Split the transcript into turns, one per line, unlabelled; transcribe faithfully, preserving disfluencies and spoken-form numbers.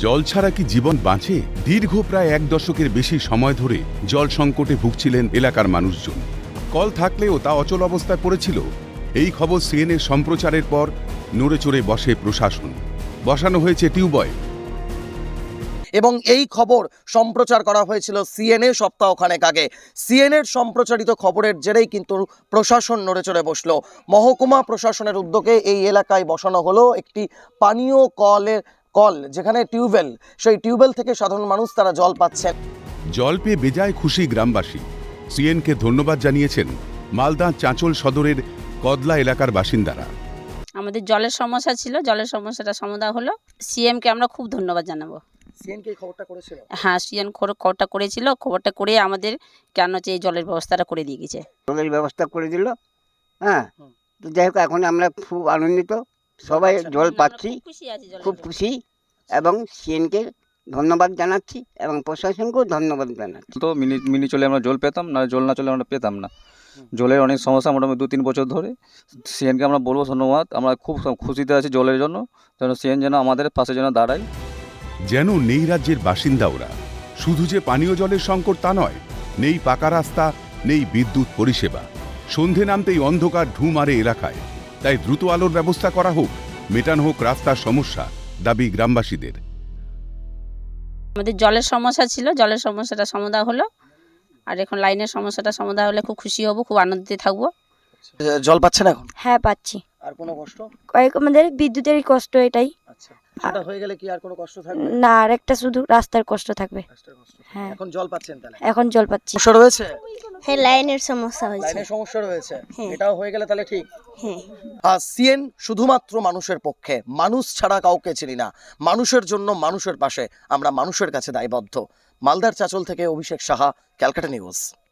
জল ছাড়া কি জীবন বাঁচে? দীর্ঘ প্রায় এক দশকের বেশি সময় ধরে জল সংকটে ভুগছিলেন এলাকার মানুষজন। কল থাকলেও তা অচল অবস্থায় পড়েছিল। এই খবর সিএনএর সম্প্রচারের পর নড়েচড়ে বসে প্রশাসন। বসানো হয়েছে টিউবওয়েল।
এবং এই খবর সম্প্রচার করা হয়েছিল সিএনএ সপ্তাহখানেক আগে। সিএনএর সম্প্রচারিত খবরের জেরেই কিন্তু প্রশাসন নড়েচড়ে বসলো। মহকুমা প্রশাসনের উদ্যোগে এই এলাকায় বসানো হলো একটি পানীয় কলের কল, যেখানে টিউবওয়েল, সেই টিউবওয়েল থেকে সাধারণ মানুষ তারা জল পাচ্ছেন।
জল পেয়ে বেজায় খুশি গ্রামবাসী। সিএনকে ধন্যবাদ জানিয়েছেন মালদা চাঁচল সদরের কদলা এলাকার বাসিন্দারা।
আমাদের জলের সমস্যা ছিল, জলের সমস্যাটা সমাধান হলো। সিএমকে আমরা খুব ধন্যবাদ জানাবো।
সিএনকে এই খবরটা করেছিল?
হ্যাঁ, সিএম খবরটা করেছিল। খবরটা করে আমাদের কেন হচ্ছে এই জলের ব্যবস্থাটা করে দিয়ে গেছে।
জলের ব্যবস্থা করে দিল। হ্যাঁ, তো যাই হোক, এখন আমরা খুব আনন্দিত, সবাই জল পাচ্ছি, খুব খুশি, এবং সিএনকে ধন্যবাদ জানাচ্ছি এবং প্রশাসনকেও ধন্যবাদ জানাচ্ছি।
তো মিনি মিনি চলে আমরা জল পেতাম না, জল না চলে আমরা পেতাম না। জলের অনেক সমস্যা মোটামুটি দু তিন বছর ধরে। সিএনকে আমরা বলবো ধন্যবাদ। আমরা খুব খুশিতে আছি জলের জন্য, যেন সিএন যেন আমাদের পাশে যেন দাঁড়ায়।
যেন নেই রাজ্যের বাসিন্দা ওরা। শুধু যে পানীয় জলের সংকট তা নয়, নেই পাকা রাস্তা, নেই বিদ্যুৎ পরিষেবা। সন্ধে নামতেই অন্ধকার ঢু মারে এলাকায়। তাই দ্রুত আলোর ব্যবস্থা করা হোক, মেটানো হোক রাস্তার সমস্যা, দাবি গ্রামবাসীদের।
আমাদের জলের সমস্যা ছিল, জলের সমস্যাটা সমাধান হলো। আর এখন লাইনের সমস্যাটা সমাধান হলে খুব খুশি হব, খুব আনন্দিত থাকবো।
জল পাচ্ছেন এখন?
হ্যাঁ, পাচ্ছি।
আর কোনো কষ্ট?
কয়েক আমাদের বিদ্যুতেরই কষ্ট, এটাই।
আচ্ছা, সেটা হয়ে গেলে কি আর কোনো কষ্ট থাকবে
না? আর একটা শুধু রাস্তার কষ্ট থাকবে। হ্যাঁ,
এখন জল পাচ্ছেন তাহলে?
এখন জল পাচ্ছি।
সমস্যা রয়েছে?
হ্যাঁ, লাইনের সমস্যা হয়েছে।
লাইনের সমস্যা রয়েছে,
হ্যাঁ।
এটাও হয়ে গেলে তাহলে ঠিক।
হ্যাঁ,
আর সিএন শুধুমাত্র মানুষের পক্ষে, মানুষ ছাড়া কাউকে চিনি না। মানুষের জন্য, মানুষের পাশে, আমরা মানুষের কাছে দায়বদ্ধ। মালদার চাঁচল থেকে অভিষেক সাহা, ক্যালকাটা নিউজ।